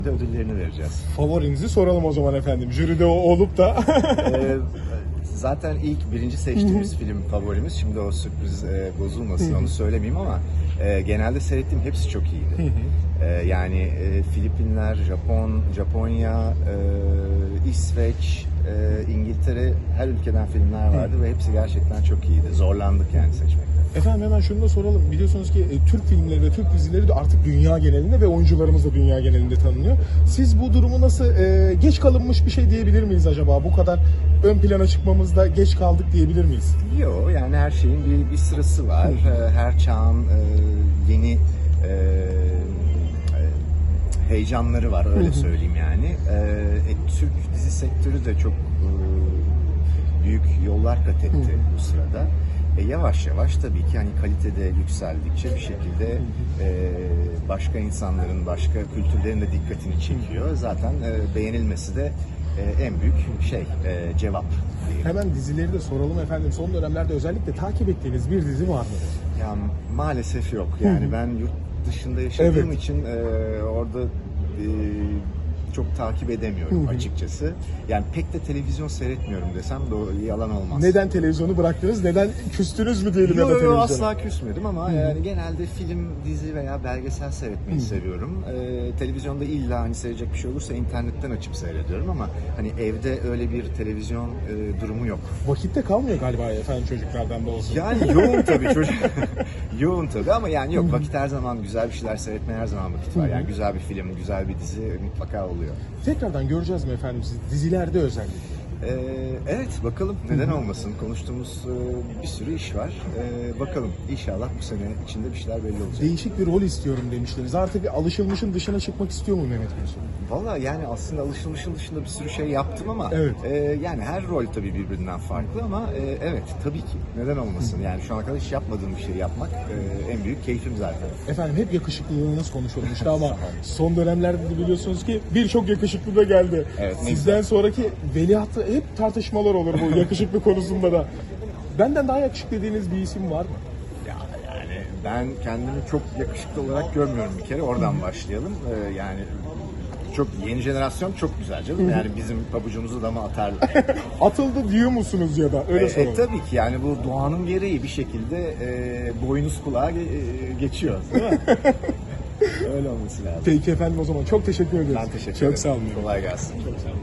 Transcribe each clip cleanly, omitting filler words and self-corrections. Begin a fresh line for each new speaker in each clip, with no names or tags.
ödüllerini vereceğiz.
Favorinizi soralım o zaman efendim. Jüride olup da.
Zaten ilk birinci seçtiğimiz film favorimiz. Şimdi o sürpriz bozulmasın, onu söylemeyeyim ama genelde seyrettiğim hepsi çok iyiydi. Yani Filipinler, Japonya, İsveç, İngiltere, her ülkeden filmler vardı ve hepsi gerçekten çok iyiydi. Zorlandık yani seçmekte.
Efendim hemen şunu da soralım. Biliyorsunuz ki Türk filmleri ve Türk dizileri de artık dünya genelinde ve oyuncularımız da dünya genelinde tanınıyor. Siz bu durumu nasıl geç kalınmış bir şey diyebilir miyiz acaba? Bu kadar ön plana çıkmamızda geç kaldık diyebilir miyiz?
Yok, yani her şeyin bir sırası var. Her çağın yeni heyecanları var, öyle söyleyeyim yani. Türk dizi sektörü de çok büyük yollar kat etti bu sırada. Yavaş yavaş tabii ki hani kalitede yükseldikçe bir şekilde başka insanların, başka kültürlerin de dikkatini çekiyor. Zaten beğenilmesi de en büyük cevap.
Hemen dizileri de soralım efendim. Son dönemlerde özellikle takip ettiğiniz bir dizi var mı?
Ya maalesef yok. Yani ben yurt dışında yaşadığım için orada çok takip edemiyorum açıkçası. Yani pek de televizyon seyretmiyorum desem de yalan olmaz.
Neden televizyonu bıraktınız? Neden küstünüz mü diyelim ya da televizyona?
Asla küsmedim ama yani genelde film, dizi veya belgesel seyretmeyi seviyorum. Televizyonda illa hani seyredecek bir şey olursa internetten açıp seyrediyorum ama hani evde öyle bir televizyon durumu yok.
Vakitte kalmıyor galiba efendim çocuklardan da olsun.
Yani yoğun tabii çocuk. Yoğun tabii ama yani yok, vakit her zaman, güzel bir şeyler seyretmeye her zaman vakit var. Yani güzel bir film, güzel bir dizi mutlaka oluyor.
Tekrardan göreceğiz mi efendim sizi dizilerde özellikle?
Evet, bakalım, neden olmasın. Konuştuğumuz bir sürü iş var. Bakalım, inşallah bu sene içinde bir şeyler belli olacak.
Değişik bir rol istiyorum demiştiniz. Artık alışılmışın dışına çıkmak istiyor mu Mehmet Gülsün?
Valla yani aslında alışılmışın dışında bir sürü şey yaptım ama yani her rol tabii birbirinden farklı ama evet, tabii ki neden olmasın. Yani şu ana kadar hiç yapmadığım bir şey yapmak en büyük keyfim zaten.
Efendim hep yakışıklılığınız konuşulmuştu ama son dönemlerde de biliyorsunuz ki birçok yakışıklı da geldi.
Evet,
Sizden sonraki veliahtı hep tartışmalar olur bu yakışıklı konusunda da. Benden daha yakışıklı dediğiniz bir isim var mı?
Yani ben kendimi çok yakışıklı olarak görmüyorum bir kere, oradan başlayalım. Yani çok yeni jenerasyon çok güzel canım. Yani bizim pabucumuzu dama atarlar.
Atıldı diyor musunuz ya da öyle soralım.
Tabii ki yani bu doğanın gereği bir şekilde boynuz kulağa geçiyor, değil mi? Öyle olması lazım.
Peki efendim o zaman çok teşekkür ederiz.
Ben teşekkür ederim.
Çok sağ olun.
Kolay gelsin.
Çok sağ olun.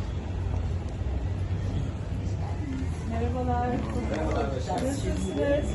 Merhabalar. Nasılsınız?